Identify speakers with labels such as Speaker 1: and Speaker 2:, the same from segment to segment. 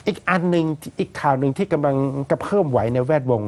Speaker 1: อีกอันหนึ่งอีกข่าวหนึ่งที่กำลังกระเพิ่มไหวในแวดวง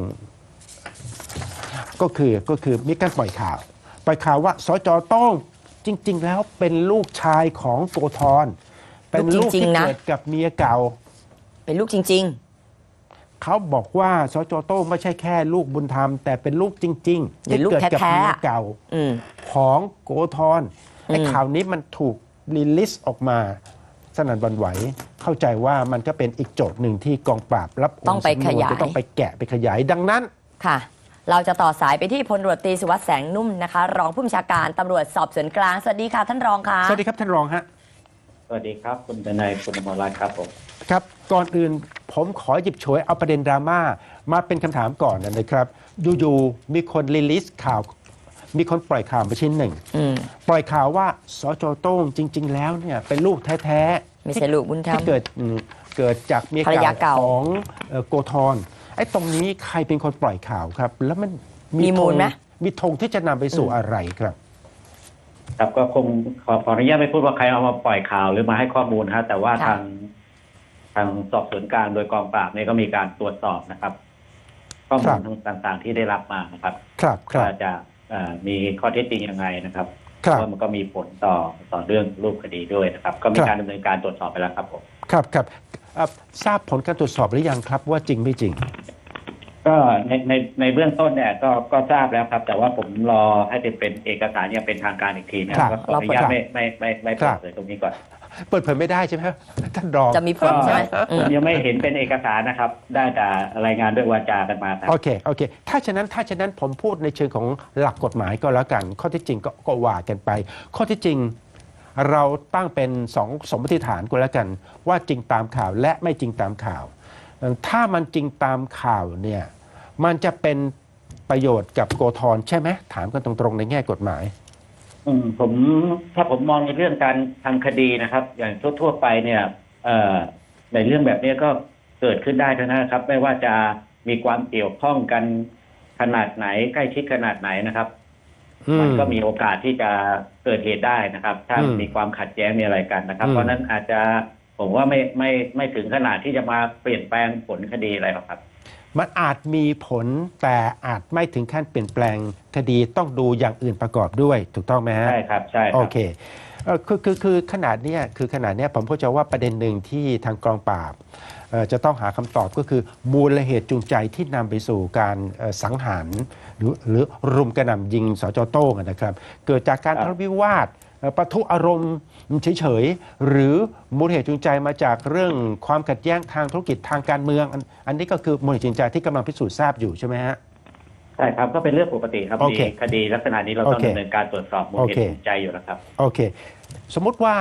Speaker 1: ก็คือมีการปล่อยข่าวว่าสจ.โต้งจริง ๆ แล้วเป็นลูกชายของโกธรเป็นลูกที่เกิดกับเมียเก่า
Speaker 2: เป็นลูกจริง
Speaker 1: เขาบอกว่าสจ.โต้งไม่ใช่แค่ลูกบุญธรรมแต่เป็นลูกจริงๆที่เกิดกับเมียเก่าของโกธรไอ้ข่าวนี้มันถูกรีลิสออกมาสนั่นหวั่นไหวเข้าใจว่ามันก็เป็นอีกโจทย์หนึ่งที่กองปราบรับ
Speaker 2: ต้องไปขยาย
Speaker 1: จะต้องไปแกะไปขยายดังนั้น
Speaker 2: ค่ะเราจะต่อสายไปที่พลตำรวจตรีสุวัสดิ์แสงนุ่มนะคะรองผู้บัญชาการตำรวจสอบสวนกลางสวัสดีค่ะท่านรองค่ะ
Speaker 1: สวัสดีครับท่านรองฮะ
Speaker 3: สวัสดีครับคุณทนายคุณอมรรัตน์ครับผม
Speaker 1: ครับก่อนอื่นผมขอหยิบฉวยเอาประเด็นดราม่ามาเป็นคำถามก่อนนะครับอยู่ๆมีคนรีลิสข่าวมีคนปล่อยข่าวมาชิ้นหนึ่งปล่อยข่าวว่าสจ.โต้งจริง ๆ แล้วเนี่ยเป็นลูกแท้ๆ
Speaker 2: ไม่ใช่ลูกบุญธรรม
Speaker 1: ที่เกิดจากเมียเก่าของโกธรไอ้ตรงนี้ใครเป็นคนปล่อยข่าวครับแล้วมัน
Speaker 2: มีมูลไหม
Speaker 1: มีธงที่จะนำไปสู่อะไรครับ
Speaker 3: ครับก็คงขออนุญาตไม่พูดว่าใครเอามาปล่อยข่าวหรือมาให้ข้อมูลฮะแต่ว่าทางสอบสวนกลางโดยกองปราบเนี่ยก็มีการตรวจสอบนะครับข้อมูลต่างๆที่ได้รับมานะครับว่าจะมีข้อเท็จจริงยังไงนะครับว่ามันก็มีผลต่อเรื่องรูปคดีด้วยนะครับก็มีการดำเนินการตรวจสอบไปแล้วครับผม
Speaker 1: ครับทราบผลการตรวจสอบหรือยังครับว่าจริงไม่จริง
Speaker 3: ก็ในเบื้องต้นเนี่ยก็ทราบแล้วครับแต่ว่าผมรอให้เป็นเอกสารยังเป็นทางการอีกทีนะครับขออนุญาตไม่เปิดเผยตรงนี้ก่อน
Speaker 1: เปิดเผยไม่ได้ใช่ไหมท่านรอง
Speaker 2: จะมีผลใช่ไหม
Speaker 3: ยังไม่เห็นเป็นเอกสารนะครับได้แต่รายงานด้วยวาจากันมาครับ
Speaker 1: โอเคถ้าฉะนั้นผมพูดในเชิงของหลักกฎหมายก็แล้วกันข้อที่จริงก็ว่ากันไปข้อที่จริงเราตั้งเป็นสมมติฐานก็แล้วกันว่าจริงตามข่าวและไม่จริงตามข่าวถ้ามันจริงตามข่าวเนี่ยมันจะเป็นประโยชน์กับโกธรใช่ไหมถามกันตรงๆในแง่กฎหมาย
Speaker 3: ถ้าผมมองในเรื่องการทางคดีนะครับอย่างทั่วไปเนี่ยในเรื่องแบบนี้ก็เกิดขึ้นได้ทั้งนั้นครับไม่ว่าจะมีความเกี่ยวข้องกันขนาดไหนใกล้ชิดขนาดไหนนะครับมันก็มีโอกาสที่จะเกิดเหตุได้นะครับถ้ามีความขัดแย้งมีอะไรกันนะครับเพราะนั้นอาจจะผมว่าไม่ถึงขนาดที่จะมาเปลี่ยนแปลงผลคดีอะไรหรอกครับ
Speaker 1: มันอาจมีผลแต่อาจไม่ถึงขั้นเปลี่ยนแปลงคดีต้องดูอย่างอื่นประกอบด้วยถูกต้องไหมฮะ
Speaker 3: ใช่ครับใช่
Speaker 1: โอเคคือขนาดเนี้ยผมเข้าใจว่าประเด็นหนึ่งที่ทางกองปราบจะต้องหาคำตอบก็คือมูลเหตุจูงใจที่นำไปสู่การสังหารหรือรุมกระหน่ำยิงสจ.โต้งนะครับเกิดจากการทะเลาะวิวาทปะทุอารมณ์เฉยๆหรือมูลเหตุจูงใจมาจากเรื่องความขัดแย้งทางธุรกิจทางการเมืองอันนี้ก็คือมูลเหตุจูงใจที่กำลังพิสูจน์ทราบอยู่ใช่ไหมฮะ
Speaker 3: ใช่ครับก็เป็นเรื่องปกติครับมีคดีลักษณะนี้เราต้องดำเนินการตรวจสอบมูลเหตุจูงใจอยู่แล้วครับ
Speaker 1: โอเคสมมุติว่า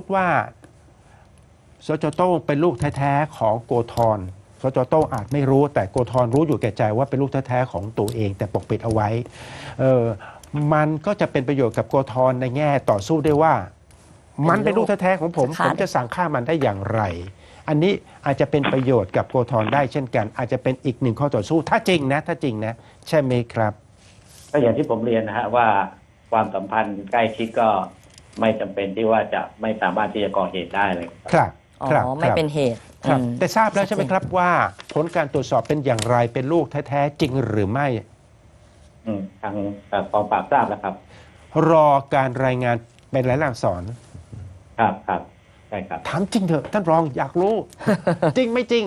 Speaker 1: สจ.โต้งเป็นลูกแท้ๆของโกธรสจ.โต้งอาจไม่รู้แต่โกธรรู้อยู่แก่ใจว่าเป็นลูกแท้ๆของตัวเองแต่ปกปิดเอาไว้มันก็จะเป็นประโยชน์กับโกธรในแง่ต่อสู้ได้ว่ามันเป็นลูกแท้ๆของผมจะสั่งฆ่ามันได้อย่างไรอันนี้อาจจะเป็นประโยชน์กับโกธรได้เช่นกันอาจจะเป็นอีกหนึ่งข้อต่อสู้ถ้าจริงนะใช่ไหมครับ
Speaker 3: ก็อย่างที่ผมเรียนนะฮะว่าความสัมพันธ์ใกล้ชิดก็ไม่จำเป็นที่ว่าจะไม่สามารถที่จะก่อเหตุได้เลย
Speaker 1: ครับ
Speaker 2: ไม่เป็นเหตุ
Speaker 1: แต่ทราบแล้วใช่ไหมครับว่าผลการตรวจสอบเป็นอย่างไรเป็นลูกแท้ๆจริงหรือไม่
Speaker 3: ทางกองปราบทราบแล้วครับ
Speaker 1: รอการรายงานเป็นรายลักษณ์อักษร
Speaker 3: ครับใช่ครับ
Speaker 1: ถามจริงเถอะท่านรองอยากรู้ จริงไม่จริง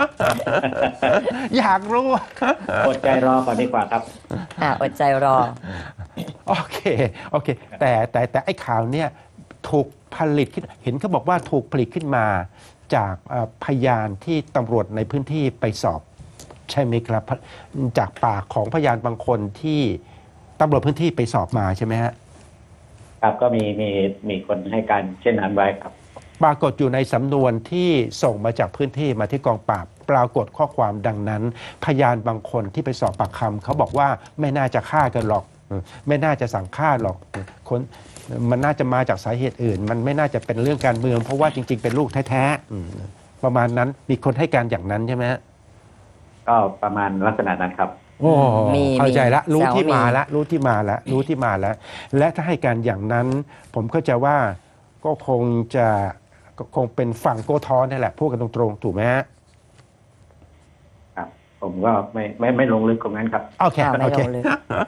Speaker 1: อยากรู้
Speaker 3: อดใจรอก่อนดีกว่าครับ
Speaker 2: อดใจรอ
Speaker 1: โอเคแต่ไอ้ข่าวเนี่ยถูกผลิตขึ้นเห็นเขาบอกว่าถูกผลิตขึ้นมาจากพยานที่ตำรวจในพื้นที่ไปสอบใช่ไหมครับจากปากของพยานบางคนที่ตำรวจพื้นที่ไปสอบมาใช่ไหมฮะ
Speaker 3: ครับก็มีคนให้การเช่นนั้นไว้ครับ
Speaker 1: ปรากฏอยู่ในสำนวนที่ส่งมาจากพื้นที่มาที่กองปราบปรากฏข้อความดังนั้นพยานบางคนที่ไปสอบปากคำเขาบอกว่าไม่น่าจะฆ่ากันหรอกไม่น่าจะสั่งฆ่าหรอกคนมันน่าจะมาจากสาเหตุอื่นมันไม่น่าจะเป็นเรื่องการเมืองเพราะว่าจริงๆเป็นลูกแท้ๆประมาณนั้นมีคนให้การอย่างนั้นใช่ไหม
Speaker 3: ก็ประมาณลักษณะนั้นครับ
Speaker 1: โอ้เข้าใจละรู้ที่มาแล้วและถ้าให้การอย่างนั้นผมเข้าใจว่าก็คงเป็นฝั่งโกธรนี่แหละพูดกันตรงๆถูกไหมฮะ
Speaker 3: ผมก็ไม่ลงลึกตรงนั้นครับ
Speaker 1: โอเค
Speaker 2: ไม่
Speaker 1: โอเค
Speaker 2: ลงลึก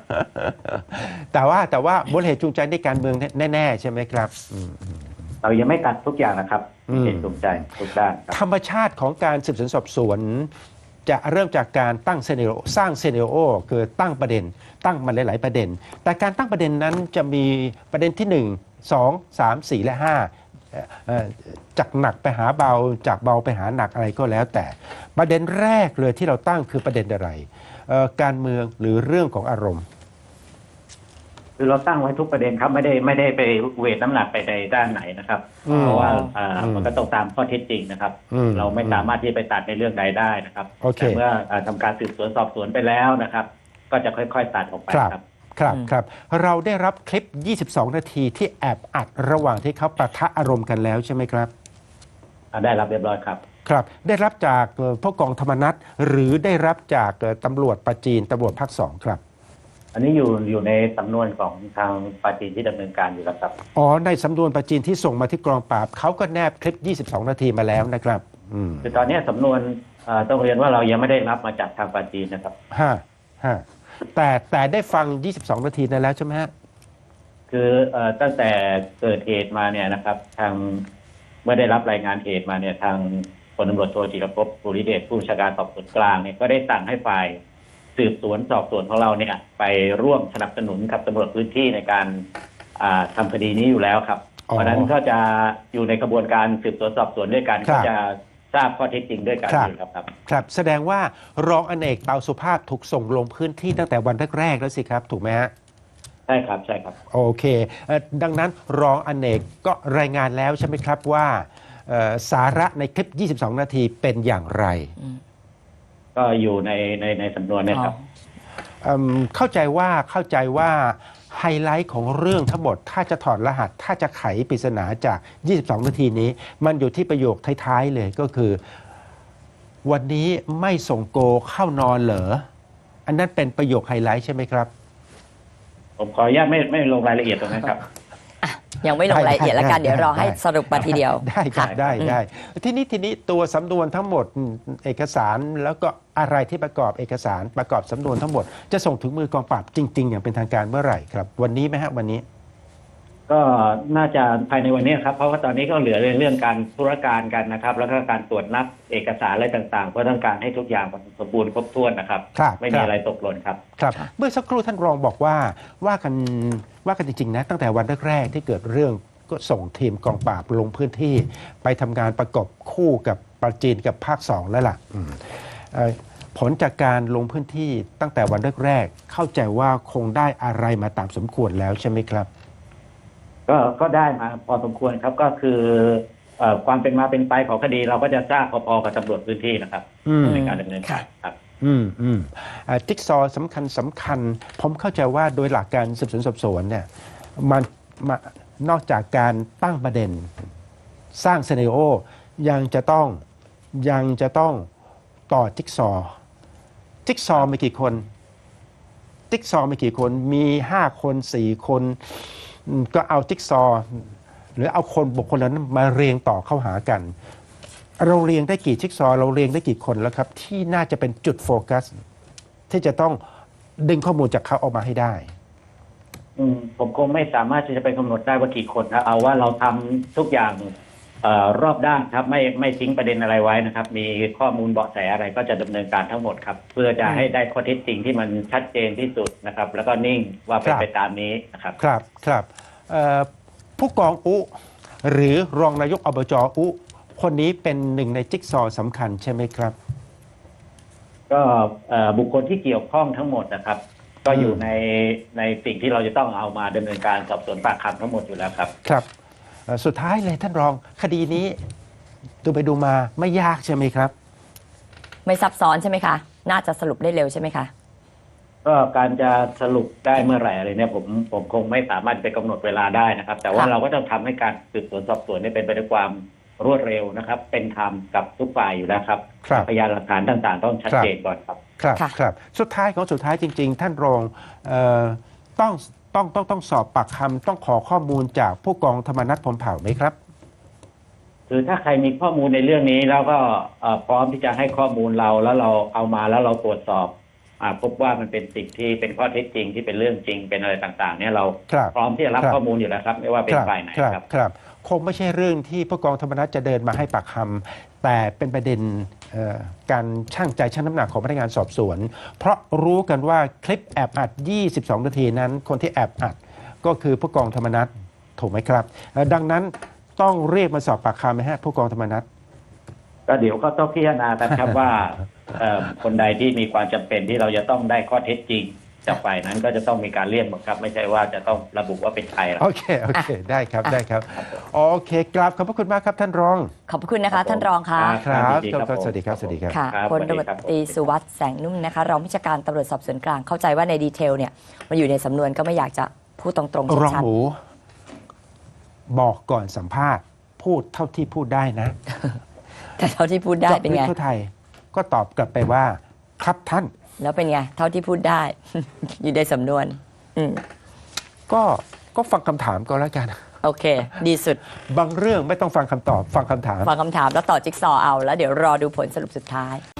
Speaker 1: แต่ว่ามูลเหตุจูงใจในการเมืองแน่ๆใช่ไหมครับ
Speaker 3: เรายังไม่ตัดทุกอย่างนะครับ
Speaker 1: อืม
Speaker 3: เหตุจูงใจทุกด้านครับ
Speaker 1: ธรรมชาติของการสืบสวนสอบสวน จะเริ่มจากการตั้งเซเนโรสร้างเซเนโรคือตั้งประเด็น ตั้งมาหลายๆประเด็น แต่การตั้งประเด็นนั้นจะมีประเด็นที่ 1 2 3 4 และ 5จากหนักไปหาเบาจากเบาไปหาหนักอะไรก็แล้ว แต่ประเด็นแรกเลยที่เราตั้งคือประเด็นอะไรการเมืองหรือเรื่องของอารมณ์
Speaker 3: คือเราตั้งไว้ทุกประเด็นครับไม่ได้ไปเวทน้ำหนักไปในด้านไหนนะครับ
Speaker 1: อืม
Speaker 3: เพราะว่า
Speaker 1: อืม
Speaker 3: มันก็ต้องตามข้อเท็จจริงนะครับ
Speaker 1: อืม
Speaker 3: เราไม่สามารถที่จะไปตัดในเรื่องใดได้นะครับ
Speaker 1: โอเค
Speaker 3: แต่เมื่อทำการสืบสวนสอบสวนไปแล้วนะครับ ก็จะค่อยๆตัดออกไป
Speaker 1: ครับ
Speaker 3: ครับ
Speaker 1: ครับ
Speaker 2: อืม
Speaker 1: ครับเราได้รับคลิป 22 นาทีที่แอบอัดระหว่างที่เขาปะทะอารมณ์กันแล้วใช่ไหมครับ
Speaker 3: ได้รับเรียบร้อยครับ
Speaker 1: ครับได้รับจากผู้กองธรรมนัฐหรือได้รับจากตำรวจประจีนตำรวจภาคสองครับ
Speaker 3: อันนี้อยู่ในสำนวนของทางปาจีนที่ดำเนินการอยู่แล้วครับ
Speaker 1: อ๋อในสำนวนประจีนที่ส่งมาที่กองปราบเขาก็แนบคลิป 22 นาทีมาแล้วนะครับ
Speaker 3: คือตอนนี้สำนวนต้องเรียนว่าเรายังไม่ได้รับมาจากทางปาจีนนะครับ
Speaker 1: ฮะฮะแต่ได้ฟัง 22 นาทีนั้นแล้วใช่ไหมฮะ
Speaker 3: คือตั้งแต่เกิดเหตุมาเนี่ยนะครับ ทางเมื่อได้รับรายงานเหตุมาเนี่ยทางพลตำรวจโทจิรภพภูริเดชผู้บัญชาการสอบสวนกลางเนี่ยก็ได้สั่งให้ฝ่ายสืบสวนสอบสวนของเราเนี่ยไปร่วมสนับสนุนกับตำรวจพื้นที่ในการทำคดีนี้อยู่แล้วครับ
Speaker 1: อ๋อ
Speaker 3: เพราะฉะนั้นก็จะอยู่ในกระบวนการสืบสวนสอบสวนด้วยกัน
Speaker 1: ครั
Speaker 3: ก็
Speaker 1: บ
Speaker 3: จะทราบข้อเท็จจริงด้วยกัน
Speaker 1: ครับ
Speaker 3: อยู่ครับ
Speaker 1: ครับแสดงว่ารองอเนกเตาสุภาพถูกส่งลงพื้นที่ตั้งแต่วันแรกๆแล้วสิครับถูกไหมฮะ
Speaker 3: ใช่ครับใช่ครับ
Speaker 1: โอเคดังนั้นรองอเนกก็รายงานแล้วใช่ไหมครับว่าสาระในคลิป 22 นาทีเป็นอย่างไร
Speaker 3: ก็อยู่ในสำนวนเนี่ยครับ
Speaker 1: เข้าใจว่าไฮไลท์ของเรื่องทั้งหมด ถ้าจะถอดรหัส ถ้าจะไขปริศนาจาก 22 นาทีนี้ มันอยู่ที่ประโยคท้ายๆเลยก็คือ วันนี้ไม่ส่งโกเข้านอนเหรอ อันนั้นเป็นประโยคไฮไลท์ใช่ไหมครับ
Speaker 3: ผมขออนุญาตไม่ลงรายละเอียดตรงนั้นครับ
Speaker 2: ยังไม่ลงรายละเอียดแล้วกันเดี๋ยวรอให้สรุปมาทีเดียว
Speaker 1: ได้ครับ
Speaker 2: ค่ะ
Speaker 1: ได้ทีนี้ตัวสำนวนทั้งหมดเอกสารแล้วก็อะไรที่ประกอบเอกสารประกอบสำนวนทั้งหมด จะส่งถึงมือกองปราบจริง ๆ อย่างเป็นทางการเมื่อไหร่ครับ วันนี้ไหมฮะวันนี้
Speaker 3: ก็น่าจะภายในวันนี้ครับเพราะว่าตอนนี้ก็เหลือเรื่องการธุรการกันนะครับ แล้วก็การตรวจนับเอกสารอะไรต่างๆ เพื่อต้องการให้ทุกอย่างสมบูรณ์ครบถ้วนนะครับ
Speaker 1: ครับ
Speaker 3: ไม่มีอะไรตกหล่นครับ
Speaker 1: ครับเมื่อสักครู่ท่านรองบอกว่ากันจริงๆนะตั้งแต่วันแรกๆที่เกิดเรื่องก็ส่งทีมกองปราบลงพื้นที่ไปทำงานประกบคู่กับประจีนกับภาคสองแล้วล่ะผลจากการลงพื้นที่ตั้งแต่วันแรกๆเข้าใจว่าคงได้อะไรมาตามสมควรแล้วใช่ไหมครับ
Speaker 3: ก็ได้มาพอสมควรครับก็คือความเป็นมาเป็นไปของคดีเราก็จะทราบพอๆกับตำรวจพื้นที่นะครับในการดำเนินการครับ
Speaker 1: จิ๊กซอว์สำคัญผมเข้าใจว่าโดยหลักการสืบสวนสอบสวนเนี่ยมันนอกจากการตั้งประเด็นสร้างซีนาริโอยังจะต้องต่อจิ๊กซอว์มีกี่คนจิ๊กซอว์มีกี่คนมี5 คน4 คนก็เอาจิ๊กซอว์หรือเอาคนบุคคลนั้นมาเรียงต่อเข้าหากัน เราเรียงได้กี่จิ๊กซอว์เราเรียงได้กี่คนแล้วครับที่น่าจะเป็นจุดโฟกัสที่จะต้องดึงข้อมูลจากเขาออกมาให้ได้
Speaker 3: ผมคงไม่สามารถที่จะไปกำหนดได้ว่ากี่คนครับเอาว่าเราทำทุกอย่างรอบด้านครับไม่ทิ้งประเด็นอะไรไว้นะครับ มีข้อมูลเบาะแสอะไรก็จะดำเนินการทั้งหมดครับ เพื่อจะให้ได้ข้อเท็จจริงที่มันชัดเจนที่สุดนะครับ แล้วก็นิ่งว่าเป็นไปตามนี้นะครับ
Speaker 1: ครับผู้กองอุหรือรองนายกอบจอุคนนี้เป็นหนึ่งในจิ๊กซอว์สำคัญใช่ไหมครับ
Speaker 3: ก็บุคคลที่เกี่ยวข้องทั้งหมดนะครับ ก็อยู่ในสิ่งที่เราจะต้องเอามาดำเนินการสอบสวนปากคำทั้งหมดอยู่แล้วครับ
Speaker 1: ครับสุดท้ายเลยท่านรองคดีนี้ดูไปดูมาไม่ยากใช่ไหมครับ
Speaker 2: ไม่ซับซ้อนใช่ไหมคะ น่าจะสรุปได้เร็วใช่ไหมคะ
Speaker 3: ก็การจะสรุปได้เมื่อไหร่อะไรเนี่ยผมคงไม่สามารถไปกำหนดเวลาได้นะครับ แต่ว่าเราก็ต้องทำให้การสืบสวนสอบสวนนี่เป็นไปด้วยความรวดเร็วนะครับ เป็นธรรมกับทุกฝ่ายอยู่แล้วครับ พยานหลักฐานต่างๆ ต้องชัดเจนก่อนครับ
Speaker 1: ครับสุดท้ายจริง ๆ ท่านรองต้องสอบปากคำต้องขอข้อมูลจากผู้กองธรรมนัฐพรหมเผ่าไหมครับ
Speaker 3: คือถ้าใครมีข้อมูลในเรื่องนี้แล้วก็พร้อมที่จะให้ข้อมูลเราแล้วเราเอามาแล้วเราตรวจสอบพบว่ามันเป็นสิ่งที่เป็นข้อเท็จจริงที่เป็นเรื่องจริงเป็นอะไรต่างๆเนี่ยเรา
Speaker 1: ครับ
Speaker 3: พร้อมที่จะรับ
Speaker 1: ครับ
Speaker 3: ข้อมูลอยู่แล้วครับไม่ว่าเป็นฝ่ายไหนครับ
Speaker 1: ครับคงไม่ใช่เรื่องที่ผู้กองธรรมนัฐจะเดินมาให้ปากคำแต่เป็นประเด็นการชั่งใจชั่งน้ำหนักของพนักงานสอบสวน เพราะรู้กันว่าคลิปแอบอัด 22 นาทีนั้น คนที่แอบอัดก็คือผู้กองธรรมนัฐถูกไหมครับดังนั้นต้องเรียกมาสอบปากคำไหมฮะผู้กองธรรมนัฐ
Speaker 3: ก็เดี๋ยวก็ต้องพิจารณากันครับ ว่าคนใดที่มีความจำเป็นที่เราจะต้องได้ข้อเท็จจริงจากฝ่ายนั้นก็จะต้องมีการเรียกบังคับ ไม่ใช่ว่าจะต้องระบุว่าเป็นใครหรอก
Speaker 1: โอเคได้ครับได้ครับโอเคกราบขอบพระคุณมากครับท่านรอง
Speaker 2: ขอบพระคุณนะคะท่านรองค่ะ
Speaker 1: ครับ
Speaker 3: ยินดีครับ
Speaker 1: สวัสดีครับสวัสดีครับ
Speaker 2: ค่ะ
Speaker 3: ครับ
Speaker 2: พลตำรวจตรีสุวัสด์แสงนุ่มนะคะรองผู้จัดการตำรวจสอบสวนกลางเข้าใจว่าในดีเทลเนี่ยมันอยู่ในสำนวนก็ไม่อยากจะพูดตรงๆ
Speaker 1: รอง
Speaker 2: ชัด
Speaker 1: หมูบอกก่อนสัมภาษณ์พูดเท่าที่พูดได้นะ
Speaker 2: ๆแต่เท่าที่พูดได้
Speaker 1: เจาะ
Speaker 2: เป็น
Speaker 1: ลึก
Speaker 2: ไง
Speaker 1: ทั่วไทยก็ตอบกลับไปว่าครับท่าน
Speaker 2: แล้วเป็นไงเท่าที่พูดได้ อยู่ในสำนวน อืม
Speaker 1: ก็ฟังคำถามก็แล้วกัน
Speaker 2: โอเค ดีสุด
Speaker 1: บางเรื่องไม่ต้องฟังคำตอบฟังคำถาม
Speaker 2: ฟังคำถามแล้วต่อจิ๊กซอว์เอาแล้วเดี๋ยวรอดูผลสรุปสุดท้าย